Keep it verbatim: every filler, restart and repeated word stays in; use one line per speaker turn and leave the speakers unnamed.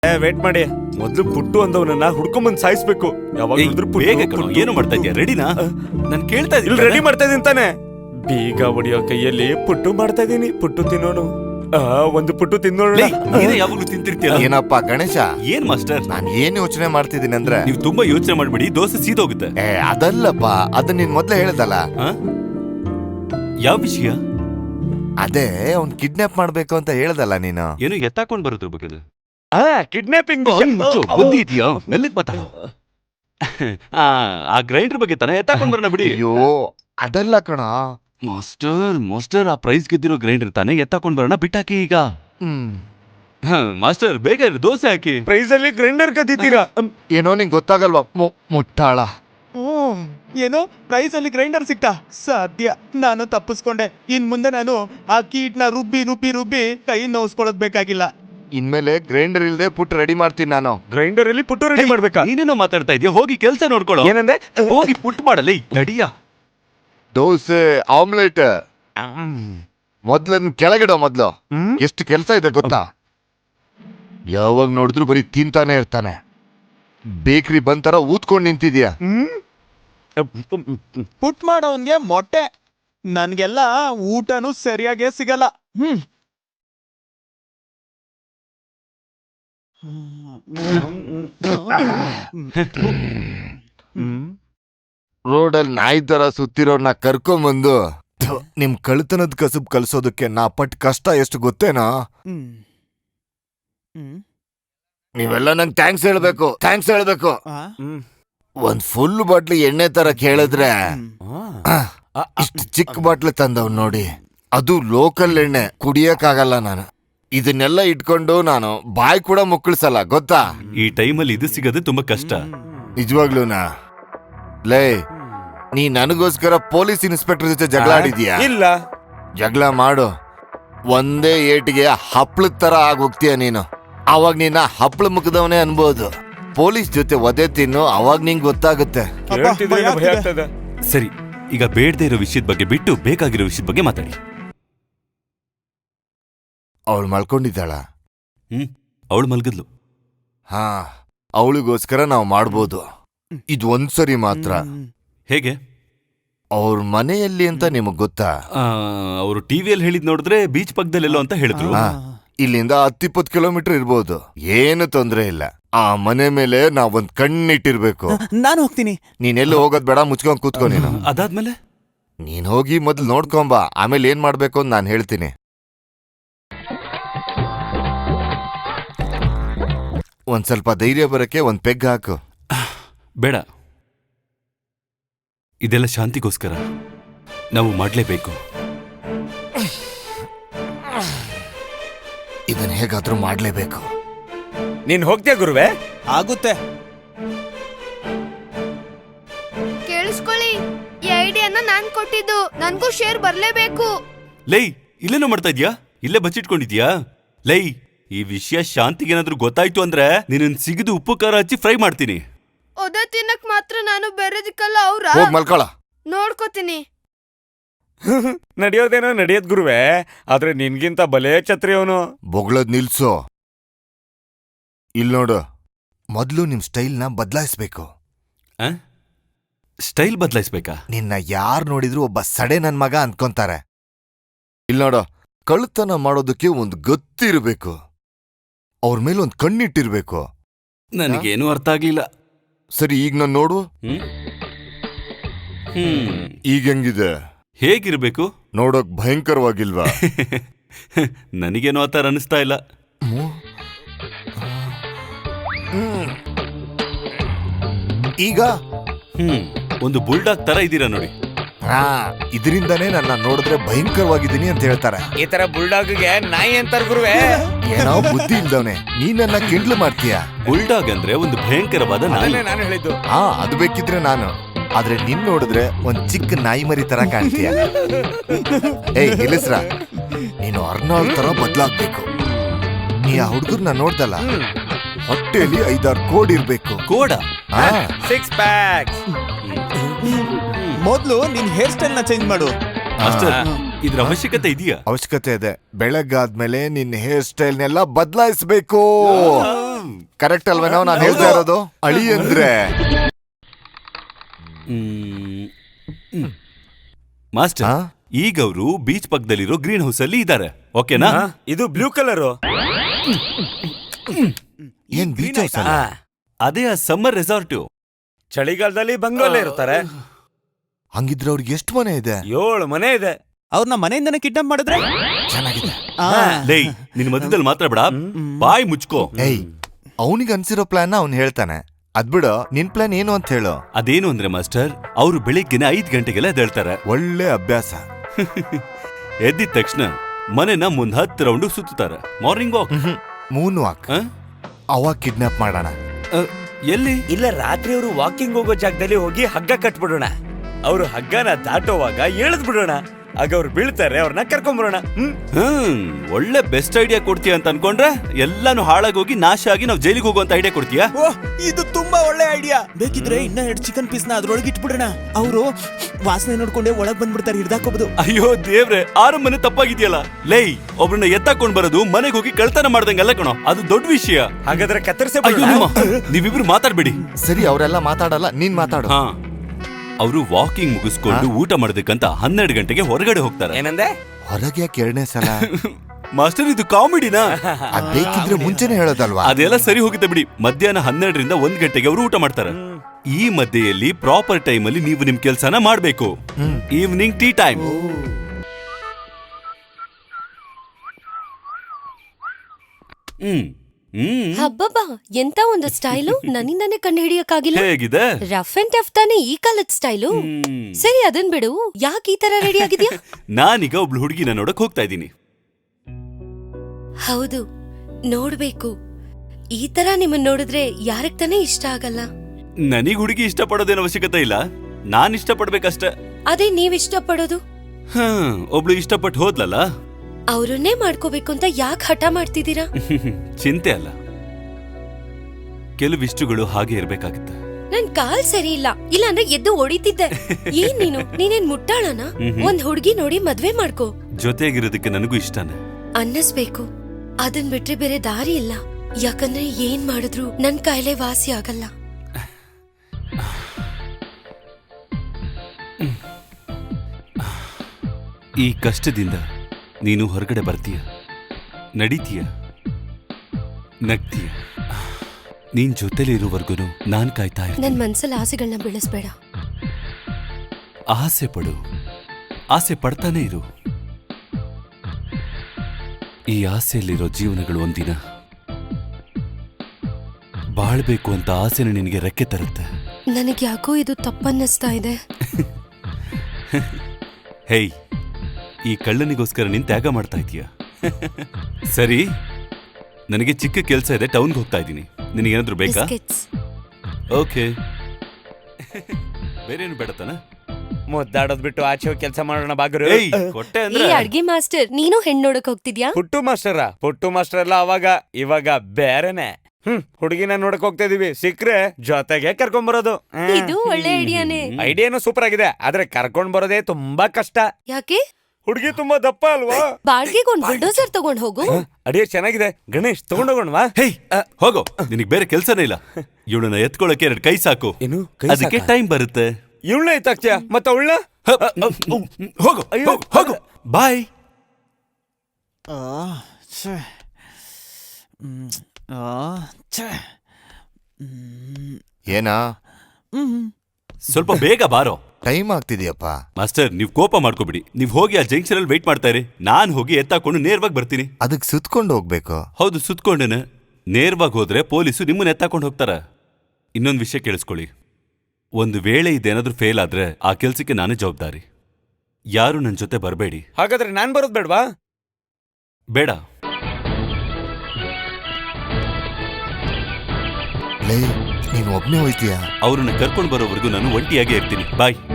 Wait ಮಾಡಿ, ಮೊದ್ಲು ಪುಟ್ಟು ಅಂದವನನ್ನ ಹುಡ್ಕೊಂಬಂದ್ ಸಾಯಿಸ್ಬೇಕು. ಯಾವಾಗ
ಏನು ಮಾಡ್ತಾ ಇದೀಯ? ರೆಡಿನಾ? ನಾನು ಕೇಳ್ತಾ
ಇದ್ದೀನಿ. ರೆಡಿ ಮಾಡ್ತಾ ಇದೀನಿ ತಾನೆ. ಬೀಗ ಹೊಡಿಯೋ ಕೈಯಲ್ಲಿ ಪುಟ್ಟು ಮಾಡ್ತಾ ಇದೀನಿ. ಪುಟ್ಟು ತಿನ್ನೋಣ. ಒಂದು ಪುಟ್ಟು ತಿನ್ನೋಣ.
ಯಾವಾಗ್ಲೂ ತಿಂತಿರ್ತೀಯ.
ಏನಪ್ಪಾ ಗಣೇಶ?
ಏನ್ ಮಾಸ್ಟರ್?
ನಾನ್ ಏನ್ ಯೋಚನೆ ಮಾಡ್ತಿದ್ದೀನಿ ಅಂದ್ರೆ,
ನೀವು ತುಂಬಾ ಯೋಚನೆ ಮಾಡ್ಬಿಡಿ, ದೋಸೆ ಸೀದೋಗುತ್ತೆ.
ಏ ಅದಲ್ಲಪ್ಪ, ಅದನ್ನ ನೀನ್ ಮೊದ್ಲೇ ಹೇಳ್ದಲ್ಲ.
ಯಾವ ವಿಷಯ?
ಅದೇ ಅವ್ನ್ ಕಿಡ್ನಾಪ್ ಮಾಡ್ಬೇಕು ಅಂತ ಹೇಳ್ದಲ್ಲ ನೀನು.
ಏನು ಎತ್ತಾಕೊಂಡ್ ಬರೋದ್ರ ಬಗ್ಗೆ?
ಕಿಡ್ನಾಪಿಂಗ್
ಬುದ್ಧಿ ಇದೆಯಾ? ಮೆಲ್ಲಕ್ ಮಾತಾ. ಆ ಗ್ರೈಂಡರ್ ಬಗ್ಗೆ ತಾನೆ ಎತ್ತಾಕೊಂಡ್ ಬರೋಣ ಬಿಡಿ.
ಅಯ್ಯೋ ಅದಲ್ಲ ಕಣ
ಮಾಸ್ಟರ್. ಮಾಸ್ಟರ್ ಆ ಪ್ರೈಸ್ ಗೆದ್ದಿರೋ ಗ್ರೈಂಡರ್ ತಾನೆ, ಎತ್ತಾಕೊಂಡ್ ಬರೋಣ. ಬಿಟ್ಟಾಕಿ ಈಗ.
ಹ್ಮ್
ಮಾಸ್ಟರ್ ಬೇಗ ದೋಸೆ ಹಾಕಿ.
ಪ್ರೈಸ್ ಅಲ್ಲಿ ಗ್ರೈಂಡರ್ ಕದ್ದೀರಾ?
ಏನೋ ನಿಂಗ್ ಗೊತ್ತಾಗಲ್ವಾ ಮುಟ್ಟಾಳ.
ಹ್ಮ್ ಏನೋ ಪ್ರೈಸ್ ಅಲ್ಲಿ ಗ್ರೈಂಡರ್ ಸಿಕ್ತಾ? ಸದ್ಯ ನಾನು ತಪ್ಪಿಸ್ಕೊಂಡೆ. ಇನ್ ಮುಂದೆ ನಾನು ಆ ಕೀಟ್ನ ರುಬ್ಬಿ ರುಬ್ಬಿ ರುಬ್ಬಿ ಕೈ ನೋಯಿಸ್ಕೊಳ್ಳೋದ್ ಬೇಕಾಗಿಲ್ಲ.
ಇನ್ಮೇಲೆ ಗ್ರೈಂಡರ್ ಇಲ್ದೆ ಪುಟ್ ರೆಡಿ ಮಾಡ್ತೀನಿ ನಾನು.
ಗ್ರೈಂಡರ್ ಅಲ್ಲಿ ಪುಟ್ಟು ರೆಡಿ ಮಾಡ್ಬೇಕಾ?
ನೀನೇನೋ ಮಾತಾಡ್ತಾ ಇದೀಯ, ಹೋಗಿ ಕೆಲ್ಸ ನೋಡ್ಕೊಳ್ಳೋ.
ಏನಂದೆ?
ಹೋಗಿ ಪುಟ್ ಮಾಡಲಿ. ನಡಿಯಾ.
ದೋಸೆ ಆಮ್ಲೆಟ್ ಮೊದ್ಲನ್ ಕೆಳಗಿಡೋ. ಮೊದ್ಲು ಎಷ್ಟು ಕೆಲ್ಸ ಇದೆ ಗೊತ್ತಾ? ಯಾವಾಗ ನೋಡಿದ್ರು ಬರೀ ತಿಂತಾನೆ ಇರ್ತಾನೆ. ಬೇಕ್ರಿ ಬಂತರ ಊದ್ಕೊಂಡ್ ನಿಂತಿದ್ಯಾ.
ಪುಟ್ ಮಾಡೋನ್ಗೆ ಮೊಟ್ಟೆ. ನನ್ಗೆಲ್ಲ ಊಟನೂ ಸರಿಯಾಗೇ ಸಿಗಲ್ಲ. ಹ್ಮ್
ರೋಡಲ್ಲಿ ನಾಯಿ ತರ ಸುತ್ತಿರೋರ್ನ ಕರ್ಕೊಂಬಂದು ನಿಮ್ ಕಳ್ತನದ ಕಸಬ್ ಕಲ್ಸೋದಕ್ಕೆ ನಾ ಪಟ್ ಕಷ್ಟ ಎಷ್ಟು ಗೊತ್ತೇನಾ? ನೀವೆಲ್ಲ ನಂಗೆ ಥ್ಯಾಂಕ್ಸ್ ಹೇಳ್ಬೇಕು, ಥ್ಯಾಂಕ್ಸ್ ಹೇಳ್ಬೇಕು. ಒಂದ್ ಫುಲ್ ಬಾಟ್ಲಿ ಎಣ್ಣೆ ತರ ಕೇಳಿದ್ರೆ ಇಷ್ಟು ಚಿಕ್ಕ ಬಾಟ್ಲಿ ತಂದವ್ ನೋಡಿ. ಅದು ಲೋಕಲ್ ಎಣ್ಣೆ, ಕುಡಿಯಕ್ಕಾಗಲ್ಲ ನಾನು. ಇದನ್ನೆಲ್ಲ ಇಟ್ಕೊಂಡು ನಾನು ಬಾಯ್ ಕೂಡ ಮುಕ್ಕಳಿಸಲ್ಲ ಗೊತ್ತಾ?
ಈ ಟೈಮಲ್ಲಿ ಇದು ಸಿಗೋದು ತುಂಬಾ ಕಷ್ಟ.
ನಿಜವಾಗ್ಲೂನಾ? ಲೇ, ನೀ ನನಗೋಸ್ಕರ ಪೊಲೀಸ್ ಇನ್ಸ್ಪೆಕ್ಟರ್ ಜೊತೆ ಜಗಳ ಆಡಿದ್ಯಾ?
ಇಲ್ಲ.
ಜಗಳ ಮಾಡು, ಒಂದೇ ಏಟಿಗೆ ಹಪ್ಳದ ತರ ಆಗೋಗ್ತೀಯ ನೀನು. ಅವಾಗ ನಿನ್ನ ಹಪ್ಳ ಮುಖದವನೇ ಅನ್ಬೋದು. ಪೊಲೀಸ್ ಜೊತೆ ಒದೆ ತಿನ್ನು, ಅವಾಗ ನಿಂಗೆ ಗೊತ್ತಾಗುತ್ತೆ.
ಸರಿ, ಈಗ ಬೇಡದೇ ಇರೋ ವಿಷಯದ ಬಗ್ಗೆ ಬಿಟ್ಟು ಬೇಕಾಗಿರೋ ವಿಷಯದ ಬಗ್ಗೆ ಮಾತಾಡಿ.
ಅವಳು ಮಲ್ಕೊಂಡಿದ್ದಾಳ?
ಹ್ಮ್ ಅವಳು ಮಲ್ಗದ್ಲು.
ಹಾ, ಅವಳಿಗೋಸ್ಕರ ನಾವು ಮಾಡ್ಬೋದು. ಇದು ಒಂದ್ಸರಿ ಮಾತ್ರ.
ಹೇಗೆ?
ಅವ್ರ ಮನೆಯಲ್ಲಿ ಅಂತ ನಿಮಗ್ ಗೊತ್ತಾ?
ಅವರು ಟಿವಿಯಲ್ಲಿ ಹೇಳಿದ್ ನೋಡಿದ್ರೆ ಬೀಚ್ ಪಕ್ಕದಲ್ಲೆಲ್ಲೋ ಅಂತ ಹೇಳಿದ್ರು.
ಇಲ್ಲಿಂದ ಹತ್ತಿಪ್ಪತ್ತು ಕಿಲೋಮೀಟರ್ ಇರ್ಬೋದು. ಏನು ತೊಂದ್ರೆ ಇಲ್ಲ. ಆ ಮನೆ ಮೇಲೆ ನಾವೊಂದ್ ಕಣ್ಣಿಟ್ಟಿರ್ಬೇಕು.
ನಾನು ಹೋಗ್ತೀನಿ.
ನೀನೆಲ್ಲಿ ಹೋಗೋದ್ ಬೇಡ, ಮುಚ್ಕೊಂಡ್ ಕೂತ್ಕೊ ನೀನು.
ಅದಾದ್ಮೇಲೆ
ನೀನ್ ಹೋಗಿ ಮೊದ್ಲು ನೋಡ್ಕೊಂಬ, ಆಮೇಲೆ ಏನ್ ಮಾಡ್ಬೇಕು ಅಂತ ನಾನು ಹೇಳ್ತೀನಿ. ಒಂದ್ ಸ್ವಲ್ಪ ಧೈರ್ಯ ಬರಕ್ಕೆ ಒಂದ್ ಪೆಗ್ ಹಾಕು.
ಬೇಡ, ಇದೆಲ್ಲ ಶಾಂತಿಗೋಸ್ಕರ ನಾವು ಮಾಡ್ಲೇಬೇಕು.
ಇದನ್ನ ಹೇಗಾದ್ರೂ ಮಾಡ್ಲೇಬೇಕು.
ನೀನ್ ಹೋಗ್ತೀಯ ಗುರುವೆ?
ಆಗುತ್ತೆ.
ಕೇಳಿಸ್ಕೊಳ್ಳಿ, ಈ ಐಡಿಯಾನ ನಾನ್ ಕೊಟ್ಟಿದ್ದು. ನನ್ಗೂ ಶೇರ್ ಬರ್ಲೇಬೇಕು.
ಲೈ, ಇಲ್ಲೇನೋ ಮಾಡ್ತಾ ಇದ್ಯಾ? ಇಲ್ಲೇ ಬಚ್ಚಿಟ್ಕೊಂಡಿದ್ಯಾ? ಲೈ, ಈ ವಿಷಯ ಶಾಂತಿಗೇನಾದ್ರೂ ಗೊತ್ತಾಯ್ತು ಅಂದ್ರೆ ನಿನ್ನ ಸಿಗಿದು ಉಪ್ಪು ಖಾರ ಹಚ್ಚಿ ಫ್ರೈ ಮಾಡ್ತೀನಿ.
ಒದೆ ತಿನ್ನಕ್ ಮಾತ್ರ ನಾನು ಬೇರೆದಕ್ಕಲ್ಲ. ಅವ್ರ
ಹೋಗ್ ಮಲ್ಕೊಳ.
ನೋಡ್ಕೋತೀನಿ.
ನಡೆಯೋದೇನೋ ನಡೆಯೋದ್ ಗುರುವೆ, ಆದ್ರೆ ನಿನ್ಗಿಂತ ಬಲೇ ಛತ್ರಿ ಅವನು.
ಬೊಗಳದ್ ನಿಲ್ಸು. ಇಲ್ ನೋಡು, ಮೊದ್ಲು ನಿಮ್ ಸ್ಟೈಲ್ನ ಬದಲಾಯಿಸ್ಬೇಕು.
ಸ್ಟೈಲ್ ಬದಲಾಯಿಸ್ಬೇಕಾ?
ನಿನ್ನ ಯಾರ್ ನೋಡಿದ್ರು ಒಬ್ಬ ಸಡೆ ನನ್ ಮಗ ಅನ್ಕೊಂತಾರೆ. ಇಲ್ ನೋಡು, ಕಳ್ತನ ಮಾಡೋದಕ್ಕೆ ಒಂದ್ ಗೊತ್ತಿರ್ಬೇಕು. ಅವ್ರ ಮೇಲೆ ಒಂದ್ ಕಣ್ಣಿಟ್ಟಿರ್ಬೇಕು.
ನನಗೇನು ಅರ್ಥ ಆಗ್ಲಿಲ್ಲ.
ಸರಿ, ಈಗ ನಾನ್ ನೋಡು. ಈಗ ಹೆಂಗಿದೆ?
ಹೇಗಿರ್ಬೇಕು?
ನೋಡೋಕ್ ಭಯಂಕರವಾಗಿಲ್ವಾ?
ನನಗೇನು ಆ ಥರ ಅನಿಸ್ತಾ ಇಲ್ಲ.
ಈಗ
ಹ್ಮ್ ಒಂದು ಬುಲ್ಡಾಗ್ ತರ ಇದ್ದೀರಾ ನೋಡಿ.
ಹಾ, ಇದರಿಂದಾನೇ ನನ್ನ ನೋಡಿದ್ರೆ ಭಯಂಕರವಾಗಿದ್ದೀನಿ ಅಂತ ಹೇಳ್ತಾರೆ.
ಈ ತರ ಬುಲ್ಡಾಗ್ಗೆ ನಾಯಿ ಅಂತಾರ ಗುರುವೆ.
ಏನೋ ಬುದ್ಧಿ ಇಲ್ದವನೆ, ನೀ ನನ್ನ ಕಿಂಡ್ಲು ಮಾಡ್ತೀಯ.
ಬುಲ್ಡಾಗ್ ಅಂದ್ರೆ ಒಂದು ಭಯಂಕರವಾದ ನಾಯಿ.
ನಾನು ಹೇಳಿದ್ದು.
ಹಾ, ಅದು ಬೇಕಿದ್ರೆ ನಾನು. ಆದ್ರೆ ನಿನ್ ನೋಡಿದ್ರೆ ಒಂದ್ ಚಿಕ್ಕ ನಾಯಿ ಮರಿ ತರ ಕಾಣ್ತೀಯ. ಏಯ್ ನಿಲ್ಲಿಸ್ರ, ನೀನು ಅರ್ನಾಲ್ಡ್ ತರ ಬದ್ಲಾಗ್ಬೇಕು. ನೀ ಆ ಹುಡುಗರ್ನ ನೋಡ್ದಲ್ಲ, ಹೊಟ್ಟೆಯಲ್ಲಿ ಐದಾರು ಕೋಡ್ ಇರ್ಬೇಕು.
ಕೋಡ?
Six pack.
ಮೊದ್ಲು ನಿನ್ ಹೇರ್ ಸ್ಟೈಲ್ ನ ಚೇಂಜ್ ಮಾಡು.
ಇದ್ರ ಅವಶ್ಯಕತೆ ಇದೆಯಾ?
ಅವಶ್ಯಕತೆ ಇದೆ. ಬೆಳಗ್ಗಾದ್ಮೇಲೆ ನಿನ್ನ ಹೇರ್ ಸ್ಟೈಲ್ನೆಲ್ಲ ಬದಲಾಯಿಸ್ಬೇಕು. ಕರೆಕ್ಟ್ ಅಲ್ವೇನೋ ನಾನು ಹೇಳ್ತಾ ಇರೋದು? ಅಳಿ ಅಂದ್ರೆ
ಹ್ಮ್. ಹ್ಮ್. ಮಾಸ್ಟರ್
ಹಾ?
ಈಗ ಅವರು ಬೀಚ್ ಪಕ್ಕದಲ್ಲಿರೋ ಗ್ರೀನ್ ಹೌಸ್ ಅಲ್ಲಿ ಇದ್ದಾರೆ, ಓಕೆನಾ?
ಆ, ಇದು ಬ್ಲೂ ಕಲರ್.
ಏನ್ ಬೀಚ್ ಹೌಸ್ ಅಲ್ಲ?
ಅದೇ ಆ ಸಮ್ಮರ್ ರೆಸಾರ್ಟ್.
ಚಳಿಗಾಲದಲ್ಲಿ ಬಂಗ್ಲೋಲ್ಲೇ ಇರ್ತಾರೆ.
ಹಂಗಿದ್ರೆ ಅವ್ರಿಗೆ ಎಷ್ಟು ಮನೆ ಇದೆ?
ಏಳು ಮನೆ ಇದೆ.
ಅವ್ರನ್ನ ಮನೆಯಿಂದನೇ ಕಿಡ್ನಾಪ್ ಮಾಡಿದ್ರೆ
ಚೆನ್ನಾಗಿದೆ.
ಲೈ ನಿನ್ ಮಧ್ಯದಲ್ಲಿ ಮಾತ್ರ ಬೇಡ, ಬಾಯ್ ಮುಚ್ಕೋ.
ಏಯ್, ಅವನಿಗೆ ಅನ್ಸಿರೋ ಪ್ಲಾನ್ ಅವ್ನು ಹೇಳ್ತಾನೆ. ಅದ್ಬಿಡು, ನಿನ್ ಪ್ಲಾನ್ ಏನು ಅಂತ ಹೇಳು.
ಅದೇನು ಅಂದ್ರೆ ಮಾಸ್ಟರ್, ಅವರು ಬೆಳಿಗ್ಗೆನೆ ಐದ್ ಗಂಟೆಗೆಲ್ಲ ಎದ್ದೇಳ್ತಾರೆ.
ಒಳ್ಳೆ ಅಭ್ಯಾಸ.
ಎದ್ದಿದ ತಕ್ಷಣ ಮನೆನ ಮುಂದ್ ಹತ್ತು ರೌಂಡ್ ಸುತ್ತಾರೆ. Morning walk.
Moon walk. ಅವಾಗ ಕಿಡ್ನಾಪ್ ಮಾಡೋಣ.
ಎಲ್ಲಿ?
ಇಲ್ಲ, ರಾತ್ರಿ ಅವರು ವಾಕಿಂಗ್ ಹೋಗೋ ಜಾಗದಲ್ಲಿ ಹೋಗಿ ಹಗ್ಗ ಕಟ್ಬಿಡೋಣ. ಅವರು ಹಗ್ಗನ ದಾಟೋವಾಗ ಎಳೆದ್ ಬಿಡೋಣ. ಆಗ ಅವ್ರು ಬೀಳ್ತಾರೆ, ಅವ್ರನ್ನ ಕರ್ಕೊಂಡ್ಬರೋಣ. ಹ್ಮ್
ಹ್ಮ್ ಒಳ್ಳೆ ಬೆಸ್ಟ್ ಐಡಿಯಾ ಕೊಡ್ತೀಯ ಅಂತ ಅನ್ಕೊಂಡ್ರೆ ಎಲ್ಲಾನು ಹಾಳಾಗೋಗಿ ನಾಶ ಆಗಿ ನಾವ್ ಜೈಲಿಗೆ ಹೋಗುವಂತ ಐಡಿಯಾ ಕೊಡ್ತೀಯಾ?
ಓಹ್, ಇದು ತುಂಬಾ ಒಳ್ಳೆ ಐಡಿಯಾ. ಬೇಕಿದ್ರೆ ಇನ್ನ ಎರಡು ಚಿಕನ್ ಪೀಸ್ ನ ಅದ್ರೊಳಗೆ ಇಟ್ಬಿಡೋಣ. ಅವರು ವಾಸನೆ ನೋಡ್ಕೊಂಡೆ ಒಳಗ್ ಬಂದ್ಬಿಡ್ತಾರೆ, ಹಿಡ್ದಾಕೋಬಹುದು.
ಅಯ್ಯೋ ದೇವ್ರೆ, ಆರಂಭನೆ ತಪ್ಪಾಗಿದ್ಯಲ್ಲ. ಲೈ, ಒಬ್ರನ್ನ ಎತ್ತಾಕೊಂಡ್ ಬರೋದು ಮನೆಗೆ ಹೋಗಿ ಕಳ್ತನ ಮಾಡ್ದಂಗೆಲ್ಲ ಕಣೋ, ಅದು ದೊಡ್ಡ ವಿಷಯ.
ಹಾಗಾದ್ರೆ ಕತ್ತರಿಸಿ
ಅಯ್ಯೋ ನಿಮ್ಮ, ನೀವಿಬ್ರು ಮಾತಾಡ್ಬೇಡಿ.
ಸರಿ, ಅವರೆಲ್ಲ ಮಾತಾಡಲ್ಲ, ನೀನ್ ಮಾತಾಡು.
ಹಾ, ಅವರು ವಾಕಿಂಗ್ ಮುಗಿಸ್ಕೊಂಡು ಊಟ ಮಾಡೋದಕ್ಕಂತ ಹನ್ನೆರಡು ಗಂಟೆಗೆ ಹೊರಗಡೆ ಹೋಗ್ತಾರೆ.
ಏನಂದೆ?
ಹೊರಗೆ ಯಾಕೆ ಎರಡನೇ ಸಲ?
ಮಾಸ್ಟರ್, ಇದು ಕಾಮಿಡಿನಾ?
ಅದ್ ಬೇಕಿದ್ರೆ ಮುಂಚೆನೆ ಹೇಳೋದಲ್ವಾ?
ಅದೆಲ್ಲ ಸರಿ ಹೋಗುತ್ತೆ ಬಿಡಿ. ಮಧ್ಯಾಹ್ನ ಹನ್ನೆರಡರಿಂದ ಒಂದ್ ಗಂಟೆಗೆ ಅವರು ಊಟ ಮಾಡ್ತಾರೆ. ಈ ಮಧ್ಯೆಯಲ್ಲಿ ಪ್ರಾಪರ್ ಟೈಮ್ ಅಲ್ಲಿ ನೀವು ನಿಮ್ ಕೆಲ್ಸನ ಮಾಡ್ಬೇಕು. Evening tea time. ಹ್ಮ್ ಹ್ಮ್
ಹಬ್ಬಬ್ಬಾ, ಎಂತ ಒಂದು ಸ್ಟೈಲು, ನನ್ನಿಂದಾನೇ ಕಂಡು ಹಿಡಿಯಕ್ಕಾಗಿಲ್ಲ.
ಹೇಗಿದೆ?
ರಫ್ ಅಂಡ್ ಟಫ್ ತಾನೇ ಈ ಕಾಲದ ಸ್ಟೈಲು.
ಹ್ಮ್.
ಸರಿ, ಅದನ್ ಬಿಡು. ಯಾಕೆ ಈ ತರ ರೆಡಿ ಆಗಿದ್ಯಾ?
ನಾನೀಗ ಒಬ್ಳು ಹುಡುಗಿನ ನೋಡಕ್ ಹೋಗ್ತಾ ಇದ್ದೀನಿ.
ಹೌದು, ನೋಡ್ಬೇಕು. ಈ ತರ ನಿಮ್ಮನ್ ನೋಡಿದ್ರೆ ಯಾರಕ್ ತಾನೇ ಇಷ್ಟ ಆಗಲ್ಲ?
ನನಗ್ ಹುಡುಗಿ ಇಷ್ಟ ಪಡೋದೇನು ಅವಶ್ಯಕತೆ ಇಲ್ಲ, ನಾನ್ ಇಷ್ಟ ಪಡ್ಬೇಕಷ್ಟೆ.
ಅದೇ ನೀವ್ ಇಷ್ಟ ಪಡೋದು.
ಹ ಒಬ್ಳು ಇಷ್ಟಪಟ್ಟು ಹೋದ್ಲಲ್ಲ.
ಅವ್ರನ್ನೇ ಮಾಡ್ಕೋಬೇಕು ಅಂತ ಯಾಕೆ ಹಠ ಮಾಡ್ತಿದ್ದೀರಾ?
ಚಿಂತೆ ಅಲ್ಲ, ಕೆಲವಿಷ್ಟುಗಳು ಹಾಗೆ ಇರ್ಬೇಕಾಗುತ್ತೆ.
ನನ್ ಕಾಲ್ ಸರಿ ಇಲ್ಲ, ಇಲ್ಲ ಅಂದ್ರೆ ಎದ್ದು ಹೊಡಿತಿದ್ದೆ. ಏನ್ ನೀನು, ನೀನೇನ್ ಮುಟ್ಟಾಳನ? ಒಂದ್ ಹುಡ್ಗಿ ನೋಡಿ ಮದ್ವೆ ಮಾಡ್ಕೋ.
ಜೊತೆಗಿರೋದಕ್ಕೆ ನನಗೂ ಇಷ್ಟನೇ
ಅನ್ನಿಸ್ಬೇಕು. ಅದನ್ ಬಿಟ್ರೆ ಬೇರೆ ದಾರಿ ಇಲ್ಲ. ಯಾಕಂದ್ರೆ ಏನ್ ಮಾಡಿದ್ರು ನನ್ ಕಾಯಿಲೆ ವಾಸಿ ಆಗಲ್ಲ.
ಈ ಕಷ್ಟದಿಂದ ನೀನು ಹೊರಗಡೆ ಬರ್ತೀಯ, ನಡೀತೀಯ, ನಗ್ತೀಯ. ನೀನ್ ಜೊತೆಲಿ ಇರುವವರೆಗೂ ನಾನ್ ಕಾಯ್ತಾ ಇರ್ತೀನಿ.
ನನ್ ಮನ್ಸಲ್ಲಿ ಆಸೆಗಳನ್ನ ಬೆಳೆಸ್ಬೇಡ.
ಆಸೆ ಪಡು, ಆಸೆ ಪಡ್ತಾನೆ ಇರು. ಈ ಆಸೆಯಲ್ಲಿರೋ ಜೀವನಗಳು ಒಂದಿನ ಬಾಳ್ಬೇಕು ಅಂತ ಆಸೆನ ನಿನಗೆ ರೆಕ್ಕೆ ತರುತ್ತೆ.
ನನಗ್ ಯಾಕೋ ಇದು ತಪ್ಪನ್ನಿಸ್ತಾ ಇದೆ.
ಹೇಯ್, ಈ ಕಳ್ಳನಿಗೋಸ್ಕರ ನೀನ್ ತ್ಯಾಗ ಮಾಡ್ತಾ ಇದೀಯ. ಸರಿ, ನನಗೆ ಚಿಕ್ಕ ಕೆಲಸ ಇದೆ, ಟೌನ್ಗೆ ಹೋಗ್ತಾ ಇದ್ದೀನಿ. ನಿನಗೇನಾದ್ರೂ ಬೇಕಾ?
ಬಿಸ್ಕೆಟ್ಸ್.
ಓಕೆ. ಬೇರೇನು ಬೇಡ ತಾನ?
ಮುದ್ದಾಡೋದ್ ಬಿಟ್ಟು ಆಚೆ ಹೋಗಿ ಕೆಲಸ ಮಾಡೋಣ ಬಾಗರು.
ಏಯ್, ಕೊಟ್ಟೆ
ಈ
ಅಂದ್ರೆ
ಅಡ್ಗೆ ಮಾಸ್ಟರ್, ನೀನು ಹೆಣ್ಣು ನೋಡಕ್ ಹೋಗ್ತಿದ್ಯಾ?
ಪುಟ್ಟು ಮಾಸ್ಟರ ಪುಟ್ಟು ಮಾಸ್ಟರ್ ಎಲ್ಲ ಅವಾಗ, ಇವಾಗ ಬೇರೆನೆ. ಹ್ಮ್ ಹುಡುಗಿನ ನೋಡಕ್ ಹೋಗ್ತಾ ಇದೀವಿ, ಸಿಕ್ರೆ ಜೊತೆಗೆ ಕರ್ಕೊಂಡ್ ಬರೋದು.
ಇದು ಒಳ್ಳೆ ಐಡಿಯಾನೇ.
ಐಡಿಯಾನು ಸೂಪರ್ ಆಗಿದೆ, ಆದ್ರೆ ಕರ್ಕೊಂಡ್ ಬರೋದೇ ತುಂಬಾ ಕಷ್ಟ.
ಯಾಕೆ?
ಹುಡುಗಿ ತುಂಬಾ ದಪ್ಪ ಅಲ್ವಾ?
ಬಾಡ್ಗೆಗೆ ಒಂದ್ ಬುಲ್ಡೋಸರ್ ತಗೊಂಡ್ ಹೋಗು.
ಅಡಿಯ ಚೆನ್ನಾಗಿದೆ, ಗಣೇಶ್ ತಗೊಂಡೋಗೋಣವಾ?
ಹೇಯ್, ಹೋಗೋ, ನಿನಗ್ ಬೇರೆ ಕೆಲ್ಸನೇ ಇಲ್ಲ. ಇವಳನ್ನ ಎತ್ಕೊಳಕ್ಕೆ ಎರಡು ಕೈ ಸಾಕು.
ಏನು
ಅದಕ್ಕೆ ಟೈಮ್ ಬರುತ್ತೆ.
ಇವಳನ್ನ ಎತ್ತಾಕ್ತಿಯಾ? ಮತ್ತ ಅವಳನ್ನ
ಹೋಗು, ಹೋಗು, ಹೋಗು. ಬಾಯ್.
ಏನಾ?
ಸ್ವಲ್ಪ ಬೇಗ ಬಾರೋ.
ಟೈಮ್ ಆಗ್ತಿದ್ಯಪ್ಪ.
ಮಾಸ್ಟರ್, ನೀವ್ ಕೋಪ ಮಾಡ್ಕೋಬಿಡಿ. ನೀವ್ ಹೋಗಿ ಆ ಜಂಕ್ಷನ್ ಅಲ್ಲಿ ವೇಟ್ ಮಾಡ್ತಾ ಇರಿ. ನಾನ್ ಹೋಗಿ ಎತ್ತಾಕೊಂಡು ನೇರವಾಗಿ ಬರ್ತೀನಿ.
ಅದಕ್ ಸುತ್ಕೊಂಡು ಹೋಗ್ಬೇಕು.
ಹೌದು, ಸುತ್ಕೊಂಡೇನೆ. ನೇರವಾಗಿ ಹೋದ್ರೆ ಪೊಲೀಸು ನಿಮ್ಮನ್ನ ಎತ್ತಾಕೊಂಡು ಹೋಗ್ತಾರ. ಇನ್ನೊಂದು ವಿಷಯ ಕೇಳಿಸ್ಕೊಳ್ಳಿ, ಒಂದು ವೇಳೆ ಇದೇನಾದ್ರೂ ಫೇಲ್ ಆದ್ರೆ ಆ ಕೆಲ್ಸಕ್ಕೆ ನಾನೇ ಜವಾಬ್ದಾರಿ. ಯಾರು ನನ್ ಜೊತೆ ಬರಬೇಡಿ.
ಹಾಗಾದ್ರೆ ನಾನ್ ಬರೋದ್ ಬೇಡ್ವಾ?
ಬೇಡ.
ಲೇ, ನೀನು ಒಬ್ನೇ ಹೋಯ್ತೀಯಾ?
ಅವ್ರನ್ನ ಕರ್ಕೊಂಡು ಬರೋವರೆಗೂ ನಾನು ಒಂಟಿಯಾಗೇ ಇರ್ತೀನಿ. ಬಾಯ್.